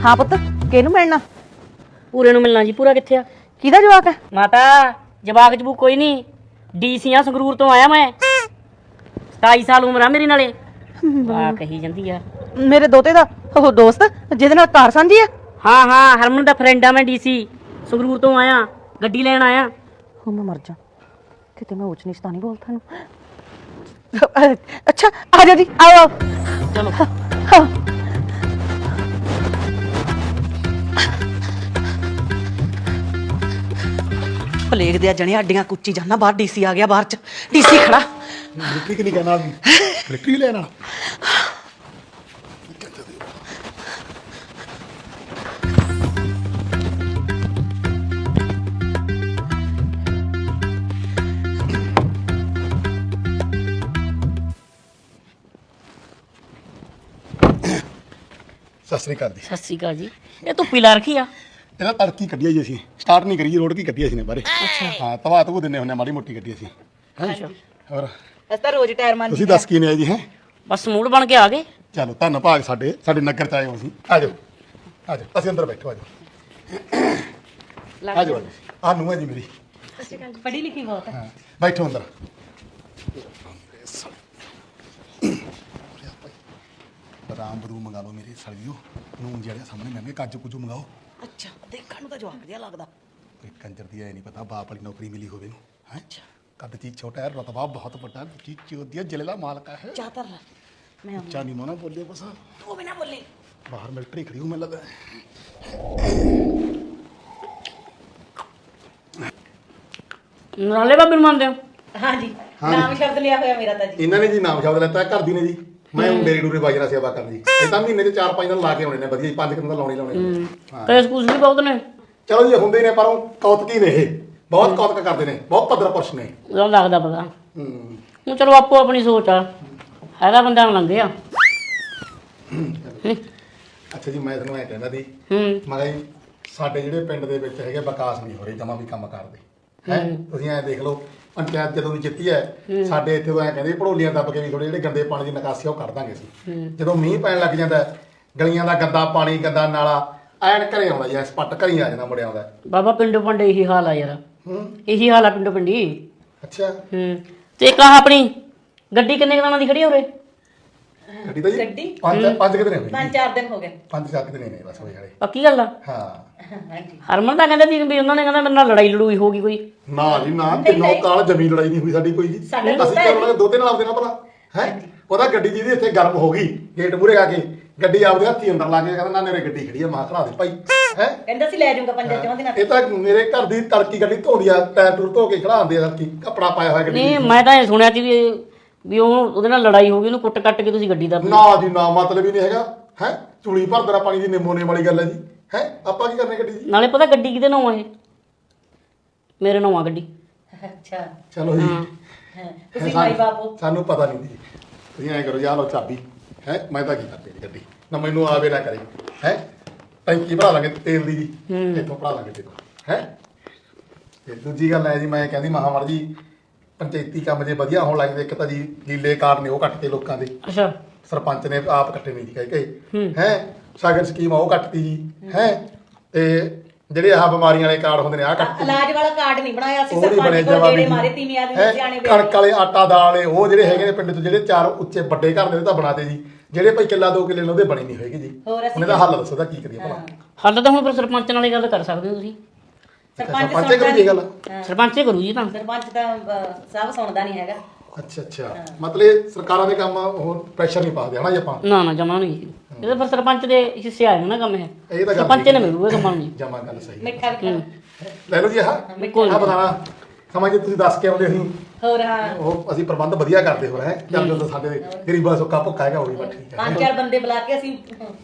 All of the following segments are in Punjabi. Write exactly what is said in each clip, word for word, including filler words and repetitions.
हाँ पुत किहनूं मिलना? पूरे नूं मिलना जी। पूरा कित्थे आ? किहदा जवाक है? माता जवाक जबूक कोई नहीं, डीसी आ संगरूर तो आया मैं। सताई साल उम्र आ मेरी नाले। वाह कही जांदी आ। मेरे दोते दा ओह दोस्त जिहदे नाल कार सांझी है। हाँ हाँ हरमन दा फ्रेंड आ मैं, डीसी संगरूर तो आया, गड्डी लैण आया। हो मैं मर जा किते मैं ऊंच नीच तां नहीं बोलता हूं। अच्छा आ जा जी, आओ आओ चलो हाँ। प्लेग दिया जने हड्डियां कुच्ची जाना बाहर। डीसी आ गया बाहर च। डीसी खड़ा मिलिट्री की नहीं कहना मिलिट्री लेना सत श्री अकाल जी। सत श्री अकाल जी। ये धुप्पी ला रखी आ? ਇਹਨਾਂ ਤੜਕੀ ਕੱਢੀ ਜੀ ਅਸੀਂ ਸਟਾਰਟ ਨਹੀਂ ਕਰੀ ਰੋਡ ਕੀ ਕੱਢੀ ਅਸੀਂ ਨੇ ਬਾਰੇ। ਹਾਂ ਤਵਾ ਤੂ ਦਿੰਨੇ ਹੁੰਨੇ ਮਾੜੀ ਮੋਟੀ ਕੱਢੀ ਅਸੀਂ। ਅੱਛਾ ਹੋਰ ਅਸ ਤਾਂ ਰੋਜ਼ ਟਾਇਰ ਮਾਰ ਤੁਸੀਂ ਦੱਸ ਕੀ ਨੇ ਜੀ? ਹੈ ਬਸ ਮੂਡ ਬਣ ਕੇ ਆ ਗਏ। ਚਲੋ ਧੰਨ ਭਾਗ ਸਾਡੇ ਸਾਡੇ ਨਗਰ ਚ ਆਏ ਹੋ ਅਸੀਂ। ਆ ਜਾਓ ਆ ਜਾਓ ਅਸੀਂ ਅੰਦਰ ਬੈਠੋ। ਆ ਜਾਓ ਆ ਜਾਓ ਆ ਨੂੰ ਹੈ ਜੀ ਮੇਰੀ। ਪੜ੍ਹੀ ਲਿਖੀ ਬਹੁਤ ਹੈ। ਹਾਂ ਬੈਠੋ ਅੰਦਰ। ਬਦਾਮ ਬਦੂ ਮੰਗਾ ਲਓ ਮੇਰੇ ਸੜੀਓ ਨੂੰ ਜਿਹੜੇ ਸਾਹਮਣੇ ਮਹਿੰਗੇ ਕਾਜੂ ਕੁਜੂ ਮੰਗਾਓ। ਅੱਛਾ ਦੇਖਣ ਨੂੰ ਤਾਂ ਜਵਾਕ ਜਿਹਾ ਲੱਗਦਾ। ਕੋਈ ਕੰਜਰ ਦੀ ਐ ਨਹੀਂ ਪਤਾ ਬਾਪ ਵਾਲੀ ਨੌਕਰੀ ਮਿਲੀ ਹੋਵੇ ਨੂੰ। ਹੈ ਕੱਦ ਚੀਜ਼ ਛੋਟਾ ਹੈ ਰਤਬਾ ਬਹੁਤ ਵੱਡਾ ਚੀਜ਼ ਚੋਦੀ ਜ਼ਿਲ੍ਹੇ ਦਾ ਮਾਲਕ ਹੈ। ਚਾਤਰ ਮੈਂ ਉੱਚਾ ਨਹੀਂ ਮੋਨਾ ਬੋਲੇ ਬਸ ਤੂੰ ਵੀ ਨਾ ਬੋਲੀ। ਬਾਹਰ ਮਿਲਟਰੀ ਖੜੀ ਹੂੰ ਮੈਨੂੰ ਲੱਗਦਾ। ਨਾਲੇ ਬਾਬੇ ਨੂੰ ਮੰਨਦੇ ਹੋ? हाँ जी नाम शब्द लिया होया मेरा ता जी। ਇਹਨਾਂ ਨੇ ਜੀ ਨਾਮ ਸ਼ਬਦ ਲੈਤਾ ਘਰ ਦੀ ਨੇ ਜੀ। ਮੈਂ ਡੇਰੀ ਡੂਰੇ ਬਾਜਰਾ ਸੇਵਾ ਕਰਨ ਜੀ। ਇਹ ਤਾਂ ਮਹੀਨੇ ਚ ਚਾਰ ਪੰਜ ਦਿਨ ਲਾ ਕੇ ਆਉਣੇ ਨੇ ਵਧੀਆ ਜੀ। ਪੰਜ ਦਿਨ ਤਾਂ ਲਾਉਣੇ ਲਾਉਣੇ ਨੇ। ਹਾਂ ਕੇਸ ਕੂਸ ਵੀ ਬਹੁਤ ਨੇ। ਚਲੋ ਜੀ ਹੁੰਦੇ ਨੇ ਪਰ ਉਹ ਕੌਤਕੀ ਨੇ ਇਹ ਬਹੁਤ ਕੌਤਕ ਕਰਦੇ ਨੇ ਬਹੁਤ ਭੱਦਰ ਪੁਰਸ਼ ਨੇ। ਉਹ ਲੱਗਦਾ ਪਤਾ। ਹੂੰ ਹੁਣ ਚਲੋ ਆਪੋ ਆਪਣੀ ਸੋਚ ਆ। ਹੈਗਾ ਬੰਦਾ ਲੰਘੇ ਆ। ਅੱਛਾ ਜੀ ਮੈਂ ਤੁਹਾਨੂੰ ਐ ਕਹਿੰਦਾ ਸੀ ਹੂੰ ਮੈਂ ਕਿਹਾ ਜੀ ਸਾਡੇ ਜਿਹੜੇ ਪਿੰਡ ਦੇ ਵਿੱਚ ਹੈਗੇ ਵਿਕਾਸ ਨਹੀਂ ਹੋ ਰਹੇ ਜਮਾ ਵੀ ਕੰਮ ਕਰਦੇ ਹੈ। ਤੁਸੀਂ ਐ ਦੇਖ ਲਓ ਪੰਚਾਇਤ ਜਦੋਂ ਦੀ ਜਿੱਤੀ ਹੈ ਸਾਡੇ ਇੱਥੇ ਐ ਕਹਿੰਦੇ ਭੜੋਲੀਆਂ ਦੱਬ ਕੇ ਵੀ ਥੋੜੇ ਜਿਹੜੇ ਗੰਦੇ ਪਾਣੀ ਦੀ ਨਿਕਾਸੀ ਉਹ ਕਰ ਦਾਂਗੇ ਅਸੀਂ। ਜਦੋਂ ਮੀਂਹ ਪੈਣ ਲੱਗ ਜਾਂਦਾ ਗਲੀਆਂ ਦਾ ਗੰਦਾ ਪਾਣੀ ਗੰਦਾ ਨਾਲਾ ਐਨ ਘਰੇ ਆਉਂਦਾ ਜੀ। ਸਪੱਟ ਘਰੀ ਆ ਜਾਂਦਾ ਮੁੜਿਆ ਆਉਂਦਾ। ਬਾਬਾ ਪਿੰਡੋਂ ਪਿੰਡ ਇਹੀ ਹਾਲ ਆ ਯਾਰ। ਹੂੰ ਇਹੀ ਹਾਲ ਆ ਪਿੰਡੋਂ ਪਿੰਡੀ। ਅੱਛਾ ਹੂੰ ਤੇ ਇੱਕ ਆਹ ਆਪਣੀ ਗੱਡੀ ਕਿੰਨੇ ਦਿਨਾਂ ਦੀ ਖੜੀ ਆ ਉਰੇ? ਗੱਡੀ ਤਾਂ ਜੀ ਗੱਡੀ? ਪੰਜ ਪੰਜ ਕਿਤੇ ਨੇ ਹੋਈ पांच चार दिन हो गए। ਪੰਜ ਚਾਰ ਕਿਤੇ ਨੇ ਬਸ ਹੋਏ ਵਾਲੇ। ਪੱਕੀ ਗੱਲ ਆ? ਹਾਂ हाँ जी ਹਰਮਨ ਤਾਂ ਕਹਿੰਦਾ ਸੀ ਵੀ ਉਹਨਾਂ ਨੇ ਕਹਿੰਦਾ ਮੇਰੇ ਨਾਲ ਲੜਾਈ ਲੜੂਈ ਹੋ ਗਈ ਕੋਈ। ਨਾ ਜੀ ਨਾ ਕਿੰਨੋ ਕਾਲ ਜ਼ਮੀਨ ਲੜਾਈ ਨਹੀਂ ਹੋਈ ਸਾਡੀ ਕੋਈ ਜੀ। ਸਾਡੇ ਅਸੀਂ ਤਾਂ ਉਹਨਾਂ ਦੇ ਦੋਤੇ ਨਾਲ ਆਪਦੇ ਨਾਲ ਭਲਾ ਹੈ। ਉਹਦਾ ਗੱਡੀ ਜਿਹਦੀ ਇੱਥੇ ਗਰਮ ਹੋ ਗਈ ਗੇਟ ਮੂਰੇ ਆ ਕੇ ਗੱਡੀ ਆਪਦੇ ਹੱਥੀ ਅੰਦਰ ਲਾ ਕੇ ਕਹਿੰਦਾ ਨਾ ਮੇਰੇ ਗੱਡੀ ਖੜੀ ਆ ਮਾਂ ਖੜਾ ਦੇ ਭਾਈ ਹੈ। कहंदा सी ले जाऊंगा पंज जमा दिन। ਇਹ ਤਾਂ ਮੇਰੇ ਘਰ ਦੀ ਤੜਕੀ ਗੱਡੀ ਧੋਦੀ ਆ ਟਾਇਰ ਟੂਰ ਧੋ ਕੇ ਖੜਾਉਂਦੇ ਆ ਤੜਕੀ ਕੱਪੜਾ ਪਾਇਆ ਹੋਇਆ ਗੱਡੀ ਨਹੀਂ ਮੈਂ ਤਾਂ ਇਹ ਸੁਣਿਆ ਸੀ ਵੀ ਵੀ ਉਹ ਉਹਦੇ ਨਾਲ ਲੜਾਈ ਹੋ ਗਈ ਉਹਨੂੰ ਕੁੱਟ ਕੱਟ ਕੇ ਤੁਸੀਂ ਗੱਡੀ ਦਾ। ਨਾ ਜੀ ਨਾ ਮਤਲਬ ਹੀ ਨਹੀਂ ਹੈਗਾ ਹੈ। ਚੂੜੀ ਭਰ ਦੇਣਾ ਪਾਣੀ ਦੀ ਨਿੰਮੋਨੇ ਵਾਲੀ ਗੱਲ ਹੈ ਜੀ। ਹੈ ਆਪਾਂ ਕੀ ਕਰਨੇ ਗੱਡੀ ਦੀ। ਨਾਲੇ ਪਤਾ ਗੱਡੀ ਕਿਹਦੇ ਨਾਮ ਆ ਇਹ? ਮੇਰੇ ਨਾਮ ਆ ਗੱਡੀ। अच्छा ਚਲੋ ਜੀ हां तुसी भाई बाबू ਸਾਨੂੰ ਪਤਾ ਨਹੀਂ ਜੀ। ਤੁਸੀਂ ਐਂ ਕਰੋ ਯਾਰ ਲਓ ਚਾਬੀ ਹੈ। ਮੈਂ ਤਾਂ ਕੀ ਕਰਦੀ ਗੱਡੀ ਨਾ ਮੈਨੂੰ ਆਵੇ ਨਾ ਕਰੇ ਹੈ। ਟੈਂਕੀ ਭਰਾ ਲਾਂਗੇ ਤੇਲ ਦੀ ਜੀ ਇੱਥੋਂ ਭਰਾ ਲਾਂਗੇ ਦੇਖੋ ਹੈ। ਤੇ ਦੂਜੀ ਗੱਲ ਹੈ ਜੀ ਮੈਂ ਕਹਿੰਦੀ ਮਹਾਮਰ ਜੀ ਪੰਚਾਇਤੀ ਕੰਮ ਜੇ ਵਧੀਆ ਹੋਣ ਲੱਗਦੇ ਇੱਕ ਤਾਂ ਜੀ ਲੀਲੇ ਕਾਰਡ ਨੇ ਉਹ ਕੱਟਤੇ ਲੋਕਾਂ ਦੇ। ਅੱਛਾ ਸਰਪੰਚ ਨੇ ਆਪ ਕੱਟੇ ਨਹੀਂ ਜੀ ਕਹਿ ਕੇ ਹੈ। ਸਾਗਰ ਸਕੀਮ ਆ ਉਹ ਕੱਟਤੀ ਜੀ ਹੈ। ਤੇ ਜਿਹੜੇ ਆਹ ਬਿਮਾਰੀਆਂ ਵਾਲੇ ਕਾਰਡ ਹੁੰਦੇ ਨੇ ਆਹ ਕੱਟਤੇ। इलाज वाला कार्ड नहीं बनाया सी ਉਹ ਨਹੀਂ ਬਣੇ सरपंच को ਜਮਾ जेड़े ਵੀ मारे तीन आदमी सियाने ਜੀ। ਕਣਕ ਵਾਲੇ ਆਟਾ ਦਾਲ ਵਾਲੇ ਉਹ ਜਿਹੜੇ ਹੈਗੇ ਨੇ ਪਿੰਡ ਤੋਂ ਜਿਹੜੇ ਚਾਰ ਉੱਚੇ ਵੱਡੇ ਘਰ ਨੇ ਉਹ ਤਾਂ ਬਣਾਤੇ ਜੀ। ਜਿਹੜੇ ਭਾਈ ਕਿੱਲਾ ਦੋ ਕਿੱਲੇ ਨੇ ਉਹਦੇ ਬਣੇ ਨਹੀਂ ਹੋਏਗੇ ਜੀ। ਹੋਰ ਅਸੀਂ ਉਹਨੇ ਦਾ ਹੱਲ ਦੱਸੋ ਦਾ ਕੀ ਕਰੀਏ ਭਲਾ। ਹੱਲ ਤਾਂ ਹੁਣ ਫਿਰ ਸਰਪੰਚ ਨਾਲ ਹੀ ਗੱਲ ਕਰ ਸਕਦੇ ਹੋ ਤੁਸੀਂ। सरपंच ਸਰਪੰਚ ਕਰੀ ਦੀ ਗੱਲ। ਸਰਪੰਚ ਹੀ ਕਰੂ ਜੀ ਤਾਂ। सरपंच दा सब सुनदा नहीं हैगा। ਅੱਛਾ ਅੱਛਾ ਮਤਲਬ ਸਰਕਾਰਾਂ ਦੇ ਕੰਮ ਉਹ ਪ੍ਰੈਸ਼ਰ ਨਹੀਂ ਪਾਉਂਦੇ ਹਨਾ ਜੀ ਆਪਾਂ। ਨਾ ਨਾ ਜਮਾ ਨਹੀਂ। ਇਹਦੇ ਫਿਰ ਸਰਪੰਚ ਦੇ ਹਿੱਸੇ ਆ ਨਾ ਕੰਮ ਇਹ। ਇਹ ਤਾਂ ਗੱਲ ਸਰਪੰਚ ਨੇ ਮਿਲੂਗਾ ਕੰਮਾਂ ਨੂੰ ਜੀ। ਜਮਾ ਗੱਲ ਸਹੀ मिठा भी खा ਲੈ ਲਓ ਜੀ ਆਹ ਆਹ ਬਤਾਣਾ ਸਮਾਂ ਜੇ ਤੁਸੀਂ ਦੱਸ ਕੇ ਆਉਂਦੇ ਅਸੀਂ ਹੋਰ ਹਾਂ ਉਹ ਅਸੀਂ ਪ੍ਰਬੰਧ ਵਧੀਆ ਕਰਦੇ ਹੋ ਰਹੇ ਚੱਲ ਜਦੋਂ ਸਾਡੇ ਗਰੀਬਾਂ ਸੁੱਕਾ ਭੁੱਖਾ ਹੈਗਾ ਹੋਈ ਬਸ ਠੀਕ ਹੈ। ਪੰਜ ਚਾਰ ਬੰਦੇ ਬੁਲਾ ਕੇ ਅਸੀਂ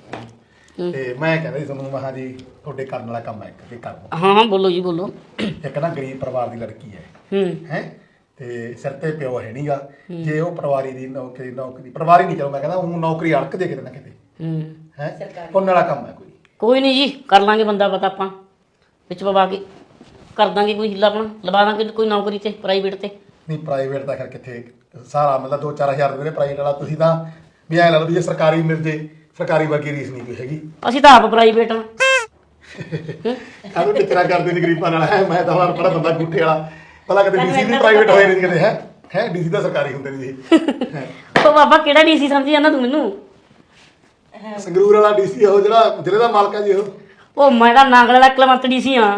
ਤੇ ਮੈਂ ਕਹਿੰਦਾ ਜੀ ਤੁਹਾਨੂੰ ਮਹਾਂ ਜੀ ਤੁਹਾਡੇ ਕਰਨ ਵਾਲਾ ਕੰਮ ਹੈ ਇੱਕ ਤੇ ਕਰ ਦਿਓ। ਹਾਂ ਹਾਂ ਬੋਲੋ ਜੀ ਬੋਲੋ। ਇੱਕ ਨਾ ਗਰੀਬ ਪਰਿਵਾਰ ਦੀ ਲੜਕੀ ਹੈ ਹੂੰ ਹੈ ਤੇ ਸਿਰ ਤੇ ਪਿਓ ਹੈ ਨਹੀਂਗਾ। ਜੇ ਉਹ ਪਰਿਵਾਰੀ ਦੀ ਨੌਕਰੀ ਨੌਕਰੀ ਪਰਿਵਾਰੀ ਨਹੀਂ ਚਲੋ ਮੈਂ ਕਹਿੰਦਾ ਉਹ ਨੌਕਰੀ ਅੜਕ ਦੇ ਕਿਤੇ ਨਾ ਕਿਤੇ ਹੂੰ ਹੈ ਪੁੰਨ ਵਾਲਾ ਕੰਮ ਹੈ ਕੋਈ। ਕੋਈ ਨਹੀਂ ਜੀ ਕਰ ਲਾਂਗੇ ਬੰਦਾ ਪਤਾ ਆਪਾਂ ਵਿੱਚ ਪਵਾ ਕੇ ਕਰ ਦਾਂਗੇ ਕੋਈ ਹਿੱਲਾ ਆਪਣਾ ਲਵਾ ਦਾਂਗੇ ਕੋਈ ਨੌਕਰੀ ਤੇ ਪ੍ਰਾਈਵੇਟ ਤੇ। ਨਹੀਂ ਪ੍ਰਾਈਵੇਟ ਤਾਂ ਖੈਰ ਕਿੱਥੇ ਸਾਰਾ ਮਤਲਬ ਦੋ ਚਾਰ ਹਜ਼ਾਰ ਦੇ ਪ੍ਰਾਈਵੇਟ ਵਾਲਾ ਤੁਸੀਂ ਤਾਂ ਵੀ ਐਂ ਲਾ ਲਓ ਵੀ ਜੇ ਸਰਕਾਰੀ ਮਿਲ ਜੇ ਸਰਕਾਰੀ ਵਰਗੀ ਰੀਸ ਨਹੀਂ ਕੋਈ ਹੈਗੀ। ਅਸੀਂ ਤਾਂ ਆਪ ਪ੍ਰਾਈਵੇਟ ਆ। ਕਾਹਨੂੰ ਟਿਕਰਾ ਕਰਦੇ ਨੇ ਗਰੀਬਾਂ ਨਾਲ ਹੈ। ਮੈਂ ਤਾਂ ਹੁਣ ਬੜਾ ਬੰਦਾ ਗੁੱਠੇ ਵਾਲਾ ਪਹਿਲਾਂ ਕਦੇ ਡੀਸੀ ਵੀ ਪ੍ਰਾਈਵੇਟ ਹੋਏ ਨਹੀਂ ਕਦੇ ਹੈ ਹੈ ਡੀਸੀ ਤਾਂ ਸਰਕਾਰੀ ਹੁੰਦੇ ਨੇ ਜੀ। ਉਹ ਬਾਬਾ ਕਿਹੜਾ ਡੀਸੀ ਸਮਝੀ ਜਾਂਦਾ ਤੂੰ ਮੈਨੂੰ? ਸੰਗਰੂਰ ਵਾਲਾ ਡੀਸੀ ਉਹ ਜਿਹੜਾ ਜ਼ਿਲ੍ਹੇ ਦਾ ਮਾਲਕ ਹੈ ਜੀ ਉਹ। ਉਹ ਮੈਂ ਤਾਂ ਨਾਂਗਲ ਵਾਲਾ ਕਲਵੰਤ ਡੀਸੀ ਆ।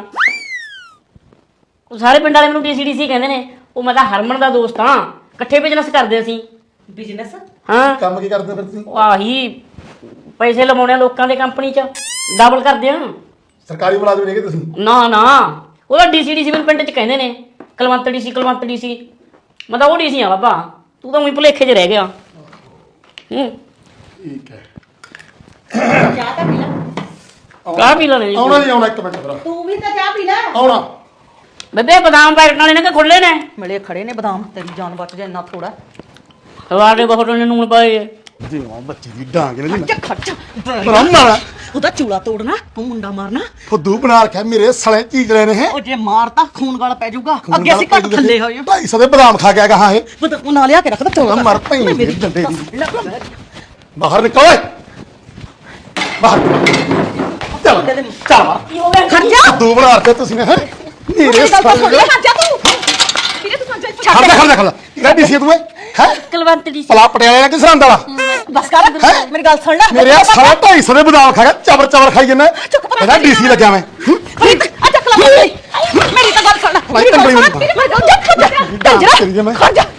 ਉਹ ਸਾਰੇ ਪਿੰਡ ਵਾਲੇ ਮੈਨੂੰ ਡੀਸੀ ਡੀਸੀ ਕਹਿੰਦੇ ਨੇ। ਉਹ ਮੈਂ ਤਾਂ ਹਰਮਨ ਦਾ ਦੋਸਤ ਹਾਂ, ਇਕੱਠੇ ਬਿਜ਼ਨਸ ਕਰਦੇ ਅਸੀਂ। ਬਿਜ਼ਨਸ? ਹਾਂ ਕੰਮ ਕੀ ਕਰਦੇ ਫਿਰ ਤੁਸੀਂ? ਉਹ ਆਹੀ ਪੈਸੇ ਲਵਾਉਣੇ ਆ ਲੋਕਾਂ ਦੇ ਕੰਪਨੀ 'ਚ, ਡਬਲ ਕਰਦੇ ਆ। ਸਰਕਾਰੀ ਮੁਲਾਜ਼ਮ ਨੇਗੇ ਤੁਸੀਂ? ਨਾ ਨਾ ਉਹਦਾ ਡੀਸੀ ਡੀਸੀ ਮੈਨੂੰ ਪਿੰਡ 'ਚ ਕਹਿੰਦੇ ਨੇ, ਕਲਵੰਤ ਡੀਸੀ ਕਲਵੰਤ ਡੀਸੀ। ਮੈਂ ਤਾਂ ਉਹ ਡੀਸੀ ਆ ਬਾਬਾ, ਤੂੰ ਤਾਂ ਉਹੀ ਭੁਲੇਖੇ 'ਚ ਰਹਿ ਗਿਆ। ਹੂੰ ਠੀਕ ਹੈ। ਚਾਹ ਤਾਂ ਪੀ ਲੈ। ਕਾਹ ਪੀ ਲੈਣੇ ਆਉਣਾ ਜੀ ਆਉਣਾ, ਇੱਕ ਮਿੰਟ ਫਿਰ ਤੂੰ ਵੀ ਤਾਂ ਚਾਹ ਪੀ ਲੈ। ਆਉਣਾ। ਬੇਬੇ ਬਦਾਮ ਪੈਕਟ ਵਾਲੇ ਨੇ ਕਿ ਖੁੱਲੇ ਨੇ? ਮਿਲੇ ਖੜੇ ਨੇ ਬਦਾਮ, ਤੇਰੀ ਜਾਨ ਬਚ ਜਾ ਇੰਨਾ ਥੋੜਾ। ਸਵਾਰ ਦੇ ਬਹੁਤ ਨੇ ਨੂਣ ਪਾਏ। ਜੀ ਮਾਂ ਬੱਚੀ ਦੀ ਡਾਂਗ ਨੇ ਜੀ ਖਰਚਾ ਬ੍ਰਹਮਣ ਉਹਦਾ ਚੂਲਾ ਤੋੜਨਾ, ਉਹ ਮੁੰਡਾ ਮਾਰਨਾ। ਫੁੱਦੂ ਬਣਾ ਰੱਖਿਆ ਮੇਰੇ ਸਲੇ ਚੀਜਲੇ ਨੇ ਹੈ। ਉਹ ਜੇ ਮਾਰਤਾ ਖੂਨ ਗਾਲ ਪੈ ਜਾਊਗਾ। ਅੱਗੇ ਅਸੀਂ ਘੱਟ ਥੱਲੇ ਹੋਏ ਆ। ਢਾਈ ਸੌ ਦੇ ਬਦਾਮ ਖਾ ਗਿਆ ਕਹਾਂ ਇਹ। ਬਦਾਮ ਨਾ ਲਿਆ ਕੇ ਰੱਖਦਾ ਚੋਲਾ ਮਰ ਪਈ ਮੇਰੀ ਡੰਡੇ ਦੀ। ਲੈ। ਬਾਹਰ ਨਿਕਲ ਓਏ ਬਾਹਰ ਚੱਲ ਚੱਲ ਕੀ ਹੋ ਗਿਆ? ਖਰਚਾ ਫੁੱਦੂ ਬਣਾ ਰੱਖਿਆ ਤੁਸੀਂ ਨੇ ਹੈ ਮੇਰੇ ਗੱਲ ਤਾਂ ਸੁਣ ਸਲੇ। ਲੈ ਖਰਚਾ ਤੂੰ ਵੀਰੇ ਤੂੰ ਖਰਚਾ ਖੜ ਜਾ ਖੜ ਜਾ ਖੜ ਜਾ ਕਿਹੜਾ ਡੀਸੀ ਤੂੰ ਹੈ ਕਲਵੰਤ ਡੀਸੀ। ਪਲਾ ਪਟਿਆਲੇ ਦਾ ਕਿ ਸਰਹੰਦ ਵਾਲਾ? ਬਸ ਕਰ ਮੇਰੀ ਗੱਲ ਸੁਣ ਲੈ। ਮੇਰੇ ਸਾਰਾ ਢਾਈ ਸੌ ਦੇ ਬਦਾਮ ਖਾ ਗਿਆ, ਚਬਰ ਚਬਰ ਖਾਈ ਜਾਂਦਾ। ਇਹਦਾ ਡੀਸੀ ਲੱਗਿਆ ਮੈਂ। ਪ੍ਰੀਤ ਆ ਚੱਕ ਲੈ ਮੇਰੀ ਮੇਰੀ ਤਾਂ ਗੱਲ ਸੁਣ ਲੈ। ਮੇਰੀ ਗੱਲ ਸੁਣ ਲੈ ਮੇਰੀ ਗੱਲ ਜਾ ਕੰਜਰਾ ਤੇਰੀ ਜੇ ਮੈਂ ਖੜ ਜਾ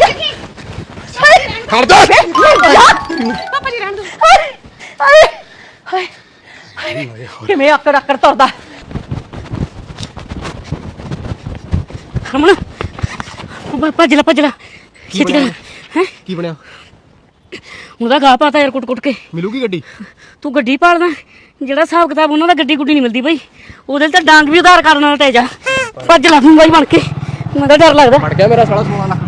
ਖੜ ਜਾ ਪਾਪਾ ਜੀ ਰਹਿਣ ਦੋ। ਹਾਏ ਹਾਏ ਹਾਏ ਕਿਵੇਂ ਆਕੜ ਆਕੜ ਤੁਰਦਾ। ਹਰਮਨ ਉਹ ਭੱਜ ਲੈ ਭੱਜ ਲੈ ਛੇਤੀ ਕਰ। ਹੈ ਕੀ ਬਣਿਆ? ਉਹਦਾ ਗਾਹ ਪਾਤਾ ਯਾਰ ਕੁੱਟ ਕੁੱਟ ਕੇ। ਮਿਲੂਗੀ ਗੱਡੀ? ਤੂੰ ਗੱਡੀ ਪਾਲਦਾ, ਜਿਹੜਾ ਹਿਸਾਬ ਕਿਤਾਬ ਉਹਨਾਂ ਦਾ ਗੱਡੀ ਗੁੱਡੀ ਨਹੀਂ ਮਿਲਦੀ ਬਈ। ਉਹਦੇ ਤਾਂ ਡਾਂਗ ਵੀ ਉਧਾਰ ਕਰਨ ਵਾਲਾ ਤੇਜਾ। ਭੱਜ ਲੈ ਤੂੰ ਬਾਈ ਬਣ ਕੇ, ਮੈਨੂੰ ਤਾਂ ਡਰ ਲੱਗਦਾ। ਫੜ ਗਿਆ ਮੇਰਾ ਸਾਲਾ ਸਮਾਨ।